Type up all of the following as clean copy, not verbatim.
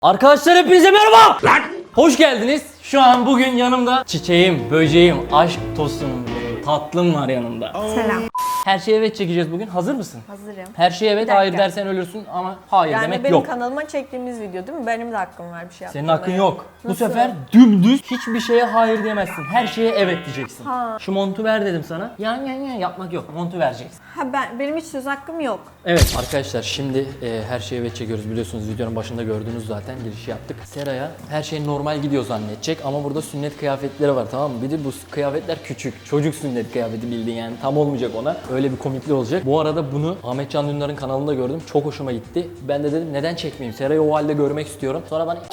Arkadaşlar hepinize merhaba. Hoş geldiniz. Şu an bugün yanımda çiçeğim, böceğim, aşk tostunum, tatlım var yanımda. Selam. Her şeye evet çekeceğiz bugün. Hazır mısın? Hazırım. Her şeye evet, dakika. hayır dersen ölürsün ama hayır Yani demek benim yok. kanalıma çektiğimiz video değil mi? Benim de hakkım var bir şey Senin yapmaya. hakkın yok. Bu Nasıl? sefer dümdüz hiçbir şeye hayır diyemezsin. Her şeye evet diyeceksin. Ha. Şu montu ver dedim sana. Yan yapmak yok. Montu vereceksin. Benim hiç söz hakkım yok. Evet arkadaşlar şimdi her şeye evet çekiyoruz, biliyorsunuz videonun başında gördünüz zaten, girişi yaptık. Sera'ya her şey normal gidiyor zannedecek ama burada sünnet kıyafetleri var, tamam mı? Bir de bu kıyafetler küçük, çocuk sünnet kıyafeti bildiğin, yani tam olmayacak ona. Öyle bir komikli olacak. Bu arada bunu Ahmet Can Dündar'ın kanalında gördüm, çok hoşuma gitti. Ben de dedim neden çekmeyeyim, Sera'yı o halde görmek istiyorum. Sonra bana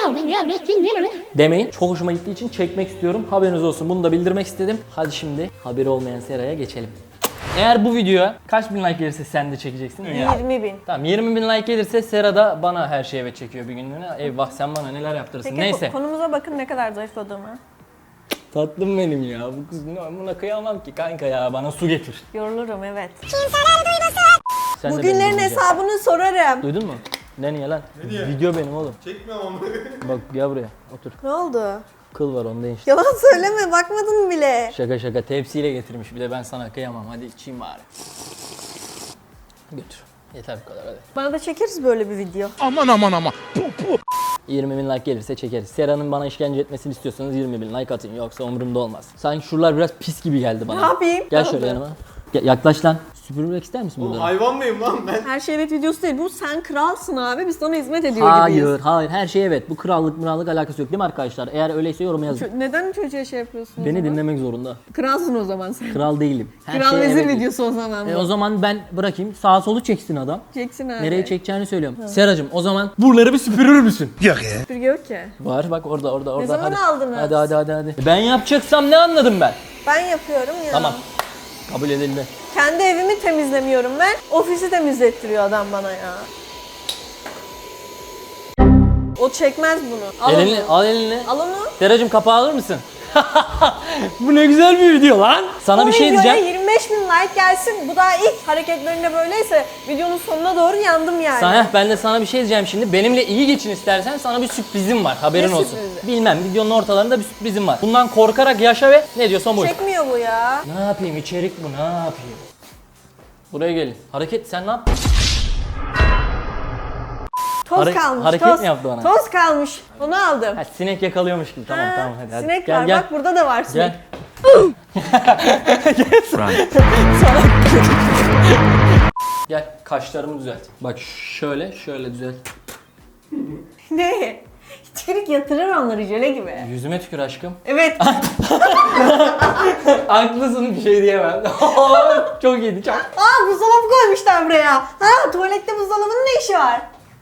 demeyin, çok hoşuma gittiği için çekmek istiyorum, haberiniz olsun, bunu da bildirmek istedim. Hadi şimdi haberi olmayan Sera'ya geçelim. Eğer bu videoya kaç bin like gelirse sen de çekeceksin. 20.000. Tamam, 20 bin like gelirse Sera da bana her şeye evet çekiyor bir günlüğüne. Eyvah, sen bana neler yaptırırsın. Peki Neyse. konumuza bakın ne kadar zayıfladığımı. Tatlım benim ya. Bu kız buna kıyamam ki kanka ya. Bana su getir. Yorulurum evet. Sen de Bugünlerin beni dinleyeceksin. hesabını sorarım. Duydun mu? Ne niye lan? Ne diye? Video benim oğlum. Çekmiyorum onları. Bak gel buraya. Otur. Ne oldu? Kıl var onda işte. Yalan söyleme, bakmadın bile. Şaka şaka, tepsiyle getirmiş. Bir de ben sana kıyamam. Hadi içeyim bari. Götür. Yeter bu kadar, hadi. Bana da çekeriz böyle bir video. Aman. 20 bin like gelirse çekeriz. Sera'nın bana işkence etmesini istiyorsanız 20 bin like atın, yoksa umurumda olmaz. Sanki şuralar biraz pis gibi geldi bana. Ne yapayım? Gel Ne şöyle oldu? yanıma. Yaklaş lan. Süpürmek ister misin Oğlum bunları? hayvan mıyım lan ben? Her şey evet videosu değil. Bu sen kralsın abi. Biz sana hizmet ediyor gibiyiz. Hayır, her şey evet. Bu krallık alakası yok değil mi arkadaşlar? Eğer öyleyse yoruma yazın. Neden çocuğa şey yapıyorsun o Beni zaman? dinlemek zorunda. Kralsın o zaman sen. Kral değilim. Her Kral şeye vezir evet. videosu o zaman. O zaman ben bırakayım. Sağa solu çeksin adam. Çeksin abi. Nereye çekeceğini söylüyorum. Seracığım, o zaman buraları bir süpürür müsün? Süpürge yok ki. Var bak, orada. Ne zaman hadi. aldınız? Hadi. Ben yapacaksam ne anladım ben? Ben yapıyorum ya. Tamam. Kabul edildi. Kendi evimi temizlemiyorum ben. Ofisi temizlettiriyor adam bana ya. O çekmez bunu. Al Elini, onu. al elini. Al onu. Seracığım, kapağı alır mısın? Bu ne güzel bir video lan. Sana O bir şey videoya diyeceğim. 25 bin like gelsin. Bu daha ilk hareketlerinde böyleyse videonun sonuna doğru yandım yani. Ben de sana bir şey diyeceğim şimdi. Benimle iyi geçin istersen, sana bir sürprizim var. Haberin Ne olsun. sürprizi? Bilmem, videonun ortalarında bir sürprizim var. Bundan korkarak yaşa ve ne diyorsan buyur. Çekmiyor bu ya. Ne yapayım, içerik bu, ne yapayım? Buraya gelin. Hareket, sen ne yaptın? Toz kalmış. hareket toz. mi yaptı bana? Toz kalmış. Onu aldım. Ha, sinek yakalıyormuş gibi. Tamam Ha, hadi. sinek Gel, var gel. bak, burada da var sinek. Gel. Gel, kaşlarımı düzelt. Bak şöyle düzelt. Ne? İçerik yatırır onları jöle gibi. Yüzüme tükür aşkım. Evet. Haklısın, bir şey diyemem. Çok iyiydi, çok. Aa, buzdolabı koymuşlar buraya. Ha, tuvalette buzdolabının ne işi var?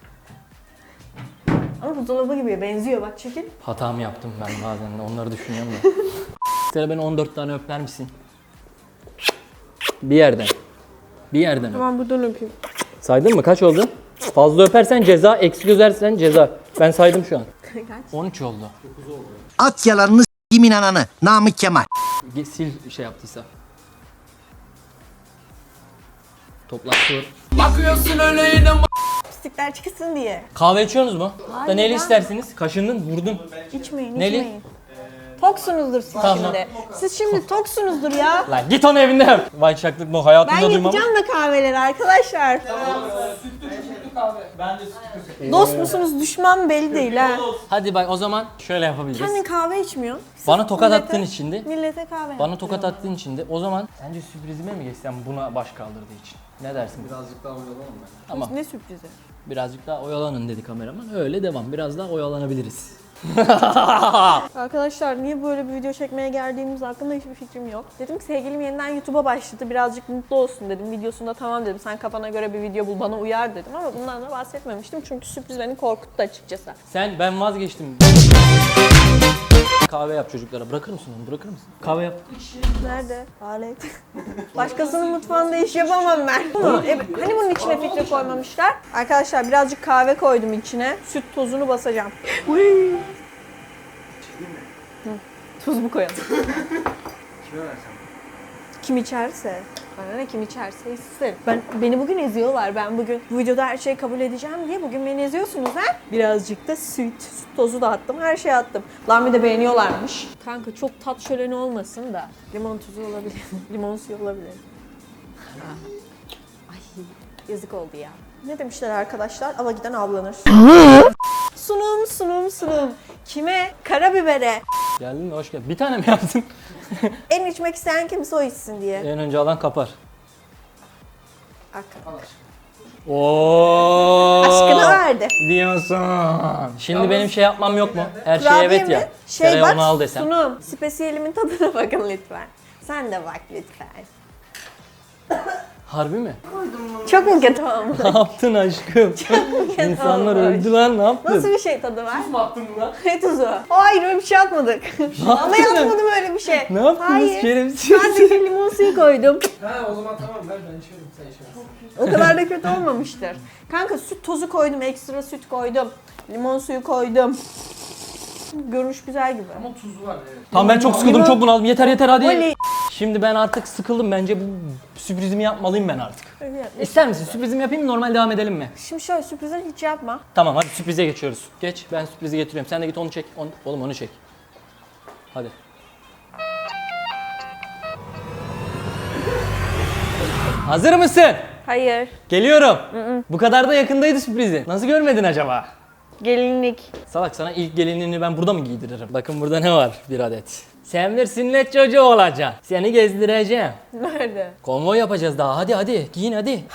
Ama buzdolabı gibi benziyor, bak çekil. Hatamı yaptım ben bazen, onları düşünüyorum da. Sera, beni 14 tane öper misin? Bir yerden. öp. Tamam, buradan öpeyim. Saydın mı? Kaç oldu? Fazla öpersen ceza, eksik özersen ceza. Ben saydım şu an. Kaç? 13 oldu. At yalanını s**imin ananı. Namık Kemal. Sil şey yaptıysa. Toprak dur. Pislikler çıksın diye. Kahve içiyorsunuz mu? Hayır Da neli ya. istersiniz? Kaşındın, vurdun. İçmeyin, Neli? içmeyin. Toksunuzdur siz Tamam. şimdi. Siz şimdi toksunuzdur ya. Lan git onu evinde yap. Vay çaklık bu, hayatımda Ben duymam. yapacağım da kahveleri arkadaşlar. Dost musunuz, düşman belli değil ha. Hadi bak, o zaman şöyle yapabiliriz. Kendin kahve içmiyorsun. Sırf Bana tokat millete- attığın için de. Millete kahve Bana yaptırıyorsun. tokat attığın için de o zaman sence sürprizime mi geçsem buna baş kaldırdığı için? Ne dersin? Birazcık daha oyalanalım ben. Tamam. Ne sürprizi? Birazcık daha oyalanın dedi kameraman. Öyle devam. Biraz daha oyalanabiliriz. Arkadaşlar niye böyle bir video çekmeye geldiğimiz hakkında hiçbir fikrim yok. Dedim ki sevgilim yeniden YouTube'a başladı, birazcık mutlu olsun dedim. Videosunda tamam dedim, sen kafana göre bir video bul, bana uyar dedim ama bundan da bahsetmemiştim çünkü sürpriz beni korkuttu açıkçası. Ben vazgeçtim. Kahve yap çocuklara. Bırakır mısın onu? Bırakır mısın? Kahve yap. Nerede? Alet. Başkasının mutfağında iş yapamam ben. Evet, hani bunun içine filtre koymamışlar? Arkadaşlar birazcık kahve koydum içine. Süt tozunu basacağım. Hı. Tuz mu koyalım? Kime versem? Kim içerse. Bana ne, kim içerse içsin. Beni bugün eziyorlar. Ben bugün bu videoda her şeyi kabul edeceğim diye bugün beni eziyorsunuz ha? Birazcık da süt tozu da attım. Her şeyi attım. Lan bir de beğeniyorlarmış. Kanka çok tat şöleni olmasın da limon tuzu olabilir. Limon suyu olabilir. Ay yazık oldu ya. Ne demişler arkadaşlar? Ava giden avlanır. Sunum. Kime? Karabibere. Geldin mi? Hoş geldin. Bir tane mi yaptın? En içmek isteyen kimse o içsin diye. En önce alan kapar. Ak. Oo. Aşkını verdi. Diyorsun. Şimdi benim şey yapmam yok mu? Her şey Kurabiye evet mi? ya. Şey Seraya bak, onu al desem. sunum. Spesiyelimin tadına bakın lütfen. Sen de bak lütfen. Harbi mi? Çok mu kötü olmuş? Ne yaptın aşkım? İnsanlar olmuş. öldü lan, ne yaptın? Nasıl bir şey tadı var? Tuz mu attın buna? Ne tuzu? Hayır öyle bir şey atmadık. Ama yaptın? yapmadım öyle bir şey. Ne yaptınız Hayır. şerefsiz? Sadece limon suyu koydum. Ha o zaman tamam ver ben içiyorum sen içemezsin. O kadar da kötü olmamıştır. Kanka süt tozu koydum, ekstra süt koydum. Limon suyu koydum. Görünüş güzel gibi. Ama tuzu var evet. Tamam ben çok sıkıldım, Limon- çok bunaldım. Yeter hadi. Oley. Şimdi ben artık sıkıldım. Bence bu sürprizimi yapmalıyım ben artık. Öyle yap. İster misin? Sürprizimi yapayım mı? Normal devam edelim mi? Şimdi şöyle sürprizleri hiç yapma. Tamam hadi sürprize geçiyoruz. Geç, ben sürprizi getiriyorum. Sen de git onu çek. Oğlum onu çek. Hadi. Hazır mısın? Hayır. Geliyorum. Bu kadar da yakındaydı sürprizi. Nasıl görmedin acaba? Gelinlik. Salak, sana ilk gelinliğini ben burada mı giydiririm? Bakın burada ne var? Bir adet. Sen bir sünnet çocuğu olacaksın. Seni gezdireceğim. Nerede? Konvoy yapacağız daha. Hadi giyin hadi.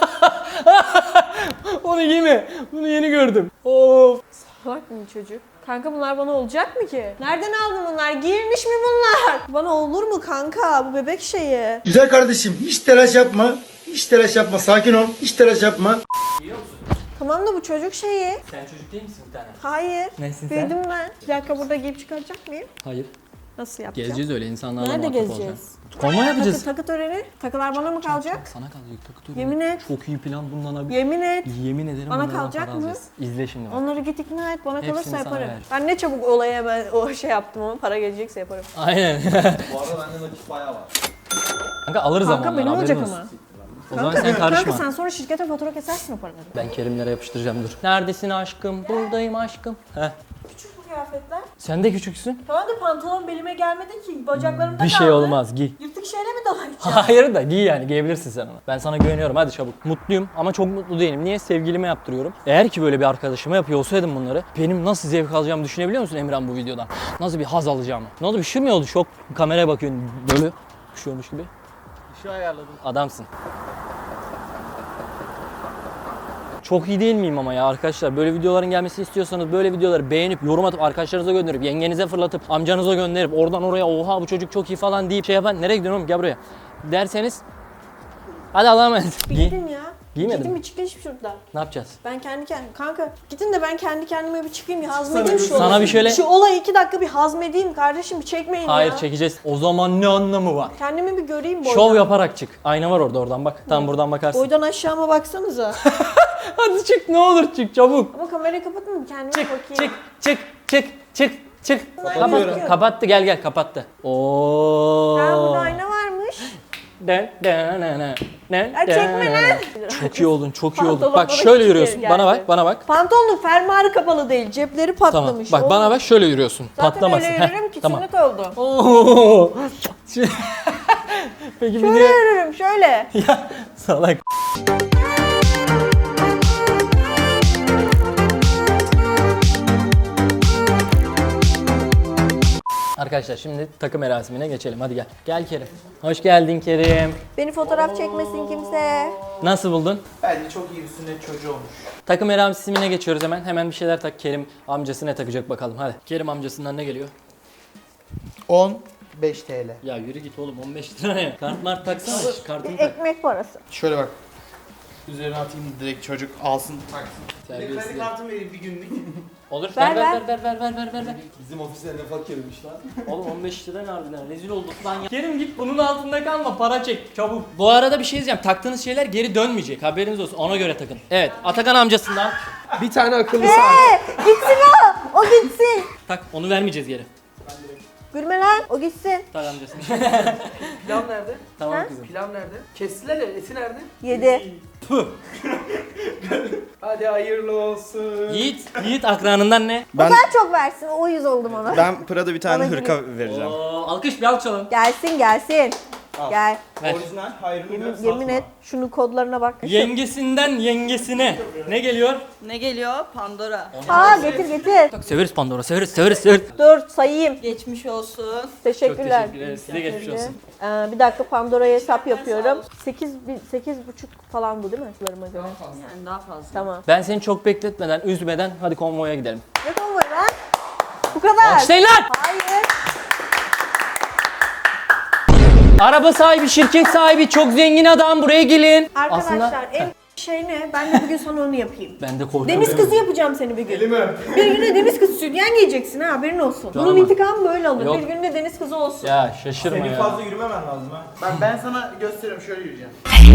Onu giyme. Bunu yeni gördüm. Of. Salak mı çocuk? Kanka bunlar bana olacak mı ki? Nereden aldın bunlar? Giyilmiş mi bunlar? Bana olur mu kanka? Bu bebek şeyi. Güzel kardeşim hiç telaş yapma. Hiç telaş yapma. Sakin ol. Hiç telaş yapma. Tamam da bu çocuk şeyi. Sen çocuk değil misin bir tane? Hayır. Nesin sen? Büyüdüm ben. Bir dakika burada giyip çıkaracak mıyım? Hayır. Nasıl yapacağım? Gezeceğiz öyle insanlarla Nerede muhatap gezeceğiz? olacağız. Konvoy yapacağız. Takı töreni. Takılar bana mı kalacak? Sana kalacak takı töreni. Yemin et. Çok iyi plan bundan abi. Yemin et. Yemin ederim Bana bunlardan kalacak para mı? alacağız. İzle şimdi bak. Onları git ikna et. Bana Hepsini kalırsa sana yaparım. ver. Ben ne çabuk olaya ben o şey yaptım ama para gelecekse yaparım. Aynen. Bu arada bende nakit bayağı var. Kanka alırız Kanka ama benim onları, olacak haberin ama. olsun. O zaman sen karışma. Kanka sen sonra şirkete fatura kesersin o paraları. Ben Kerimlere yapıştıracağım dur. Neredesin aşkım? Buradayım aşkım. Heh. Küçük bu kıyafetler. Sen de küçüksün. Tamam da pantolon belime gelmedi ki. Bacaklarımda Bir şey olmaz giy. Yırtık şeyle mi dolayacağım? Hayır da giy yani giyebilirsin sen onu. Ben sana güveniyorum hadi çabuk. Mutluyum ama çok mutlu değilim. Niye? Sevgilime yaptırıyorum. Eğer ki böyle bir arkadaşıma yapıyor olsaydım bunları benim nasıl zevk alacağımı düşünebiliyor musun Emirhan bu videodan? Nasıl bir haz alacağımı? Ne oldu bir şey mi oldu? Şok kameraya bakıyorsun böyle bir şey olmuş gibi. Bir şey ayarladım. Adamsın. Çok iyi değil miyim ama ya arkadaşlar? Böyle videoların gelmesini istiyorsanız böyle videoları beğenip yorum atıp arkadaşlarınıza gönderip yengenize fırlatıp amcanıza gönderip oradan oraya oha bu çocuk çok iyi falan deyip şey yapan nereye gidiyorsun oğlum gel buraya derseniz hadi Allah'a emanet. Bir gidin ya. Giymedim. Gidin bir çıkın şuradan. Ne yapacağız? Ben kendi kendime. Kanka gidin de ben kendi kendime bir çıkayım ya hazmedeyim şu Sana olayı. bir şöyle- Şu olayı 2 dakika bir hazmedeyim kardeşim bir çekmeyin Hayır ya. çekeceğiz. O zaman ne anlamı var? Kendimi bir göreyim boydan. Şov yaparak çık. Ayna var orada oradan bak. Tam buradan bakarsın. Boydan aşağıma baksanıza. Hadi çık ne olur çık çabuk. Ama kamerayı kapatın bir kendime Çık bakayım. çık. Kapatıyorum. Kapat, kapattı gel kapattı. Oo. Ha burada ayna varmış. Ya çekme lan. Çok iyi oldun, çok iyi oldun. Pantolon Bak bana şöyle küçük yürüyorsun. geldi. Bana bak. Pantolonun fermuarı kapalı değil. Cepleri Tamam. patlamış. Bak bana bak şöyle yürüyorsun. Zaten Patlamasın. öyle Heh, yürürüm ki tamam. sünnet oldu. Oo. Peki bir Şöyle de yürürüm şöyle. ya salak. Arkadaşlar şimdi takım merasimine geçelim. Hadi gel. Gel Kerim. Hoş geldin Kerim. Beni fotoğraf çekmesin kimse. Nasıl buldun? Bence çok iyi bir sünnet çocuğu olmuş. Takım merasimine geçiyoruz hemen. Hemen bir şeyler tak. Kerim amcası ne takacak bakalım. Hadi. Kerim amcasından ne geliyor? 15 TL. Ya yürü git oğlum 15 lira ne? Kart mart taksana. Kartını tak. Ekmek parası. Şöyle bak. Üzerine atayım direkt çocuk alsın taksın. Bir de Terbiyesiz kredi ya. kartımı vereyim bir günlük. Olur Ver, ver. Bizim ofiste ne fakirmiş lan. Oğlum 15 lira ne harbiden rezil olduk lan ya. Kerim git bunun altında kalma para çek çabuk. Bu arada bir şey diyeceğim taktığınız şeyler geri dönmeyecek haberiniz olsun ona göre takın. Evet Atakan amcasından Bir tane akıllı saat. Gitsin o. O gitsin. tak onu vermeyeceğiz geri. Gülme lan. O gitsin. Tak amcasını. Pilav nerede? Tamam kızım. Pilav nerede? Kestiler ya, eti nerede? Yedi. Hadi hayırlı olsun. Yiğit akranından ne? O kadar çok versin. O 100 oldum ona. Ben Prada bir tane Bana hırka vereceğim. Alkış bir alçalım. Gelsin. Gel. Ver. Orijinal hayrını Yemin et. Şunun kodlarına bak. Yengesinden yengesine. Ne geliyor? Ne geliyor? Pandora. Aa getir. Severiz Pandora, severiz. Dur sayayım. Geçmiş olsun. Teşekkürler. Çok teşekkür ederiz. Size geçmiş olsun. Bir dakika Pandora'ya hesap yapıyorum. 8,5 falan bu değil mi? Sularıma göre. Yani daha fazla. Tamam. Ben seni çok bekletmeden, üzmeden hadi konvoya gidelim. Ne konvoyu lan? Bu kadar. Alkışlayın lan! Hayır. Araba sahibi, şirket sahibi, çok zengin adam, buraya gelin. Arkadaşlar en şey ne? Ben de bugün sana onu yapayım. Ben de korkuyorum. Deniz kızı yapacağım seni bir gün. Bir günde deniz kızı sütyen giyeceksin ha, haberin olsun. Bunun ama. intikamı böyle alır. Yok. Bir günde deniz kızı olsun. Ya şaşırma Senin ya. fazla yürümemen lazım ha. Ben sana gösteriyorum, şöyle yürüyeceğim.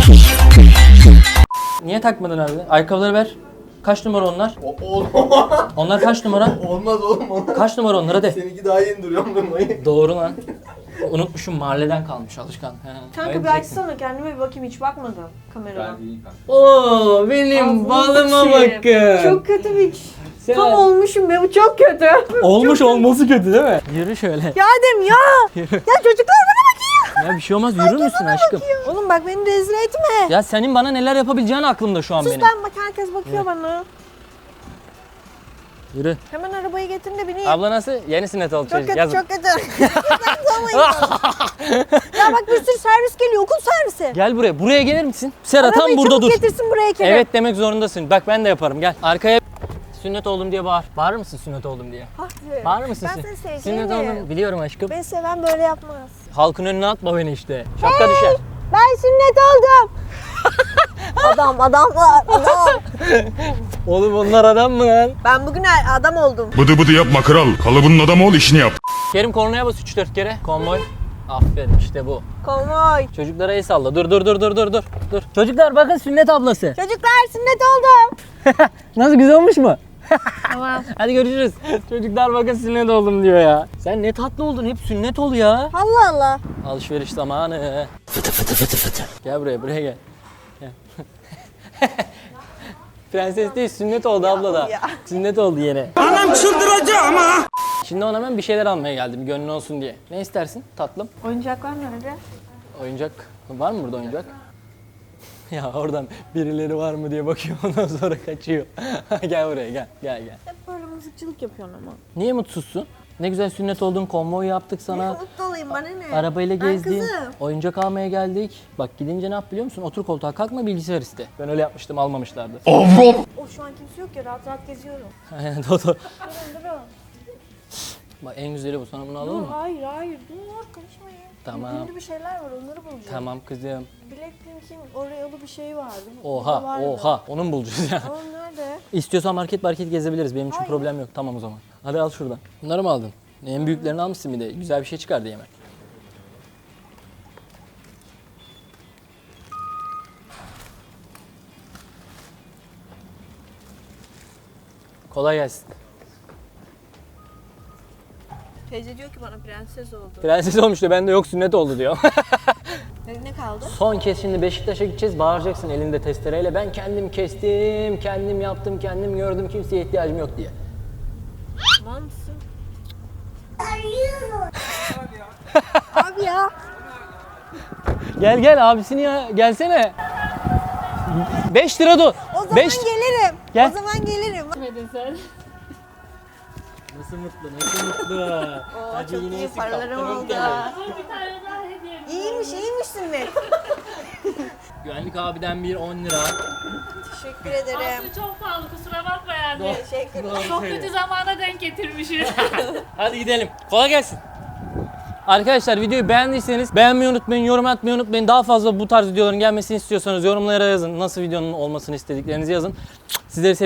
Niye takmadın abi? Ayakkabıları ver. Kaç numara onlar? Onlar kaç numara? Olmaz oğlum onlar. Kaç numara onlar hadi. Seninki daha yeni duruyor mu? Doğru lan. Unutmuşum, mahalleden kalmış alışkan. He. Kanka bir açsana, kendime bir bakayım, hiç bakmadım kameradan. Oo benim balıma bakın. Çok kötü bir Sen- tam olmuşum be, bu çok kötü. Olmuş olması kötü değil mi? Yürü şöyle. Ya Adem ya! Ya çocuklar bana bakıyor. Ya bir şey olmaz, yürür müsün aşkım? Oğlum bak beni rezil etme. Ya senin bana neler yapabileceğin aklımda şu an Sus benim. lan, bak herkes bakıyor bana. Yürü. Hemen arabayı getirin de bineyim. Abla nasıl? Yeni sünnet oldu Çok çocuk. kötü, Yazın. çok kötü. Ya bak bir sürü servis geliyor, okul servisi. Gel buraya. Buraya gelir misin? Sera tam Arabayı burada çabuk dur. getirsin buraya Kerem. Evet demek zorundasın. Bak ben de yaparım. Gel. Arkaya sünnet oldum diye bağır. Bağırır mısın sünnet oldum diye? Hadi. Bağırır mısın? Ben seni Sünnet sevgilim. oldum. Biliyorum aşkım. Beni seven böyle yapmaz. Halkın önüne atma beni işte. Şapka düşer. Ben sünnet oldum. adam. Oğlum onlar adam mı lan? Ben bugün adam oldum. Bıdı bıdı yapma kral. Kalıbının adamı ol, işini yap. Kerim kornaya bas 3-4 kere. Konvoy. Aferin işte bu. Konvoy. Çocuklara el salla. Dur. Çocuklar bakın sünnet ablası. Çocuklar sünnet oldum. Nasıl, güzel olmuş mu? Tamam. Hadi görüşürüz. Çocuklar bakın sünnet oldum diyor ya. Sen ne tatlı oldun. Hep sünnet ol ya. Allah Allah. Alışveriş zamanı. Fıtı. Gel buraya gel. Gel. Prenses değil, sünnet oldu abla da. ya. Sünnet oldu yine. Anam çıldıracağım ama. Şimdi ona ben bir şeyler almaya geldim, gönlün olsun diye. Ne istersin tatlım? Oyuncaklar nerede? Oyuncak. Var mı burada oyuncak? Ya oradan birileri var mı diye bakıyor, ondan sonra kaçıyor. Gel buraya gel. Hep böyle mızıkçılık yapıyorsun ama. Niye mutsuzsun? Ne güzel sünnet oldun, konvoy yaptık sana. Mutlu olayım, bana ne? Arabayla Ben gezdin, kızım. oyuncak almaya geldik. Bak gidince ne yap biliyor musun? Otur koltuğa, kalkma, bilgisayar iste. Ben öyle yapmıştım, almamışlardı. O şu an kimse yok ya, rahat geziyorum. Aynen Dodo. Durun. Bak en güzeli bu, sana bunu alalım mı? Hayır, dur konuşmayın. Tamam. Ünlü bir şeyler var, onları bulacağım. Tamam kızım. Blackpink'in Oreo'lu bir şey vardı. Oha, onu mu bulacağız ya? Ama nerede? İstiyorsan market gezebiliriz, benim için Hayır. problem yok. Tamam o zaman. Hadi al şuradan. Bunları mı aldın? En büyüklerini almışsın bir de. Güzel bir şey çıkardı yemek. Kolay gelsin. Teyze diyor ki bana prenses oldu. Prenses olmuş da bende yok, sünnet oldu diyor. Ne kaldı? Son kez şimdi Beşiktaş'a gideceğiz. Bağıracaksın elinde testereyle. Ben kendim kestim, kendim yaptım, kendim gördüm. Kimseye ihtiyacım yok diye. Tamam mısın? Abi ya. Gel abisini ya. Gelsene. 5 lira dur. O zaman 5. gelirim. Gel. O zaman gelirim. Nasıl mutlu. Oo, çok iyi paralarım oldu. İyiymiş sünnet. Güvenlik abiden bir 10 lira. Teşekkür ederim. Çok pahalı, kusura bakma yani. Teşekkür ederim. Çok kötü zamana denk getirmişiz. Hadi gidelim. Kolay gelsin. Arkadaşlar videoyu beğendiyseniz beğenmeyi unutmayın, yorum atmayı unutmayın. Daha fazla bu tarz videoların gelmesini istiyorsanız yorumlara yazın. Nasıl videonun olmasını istediklerinizi yazın. Sizleri seviyorum.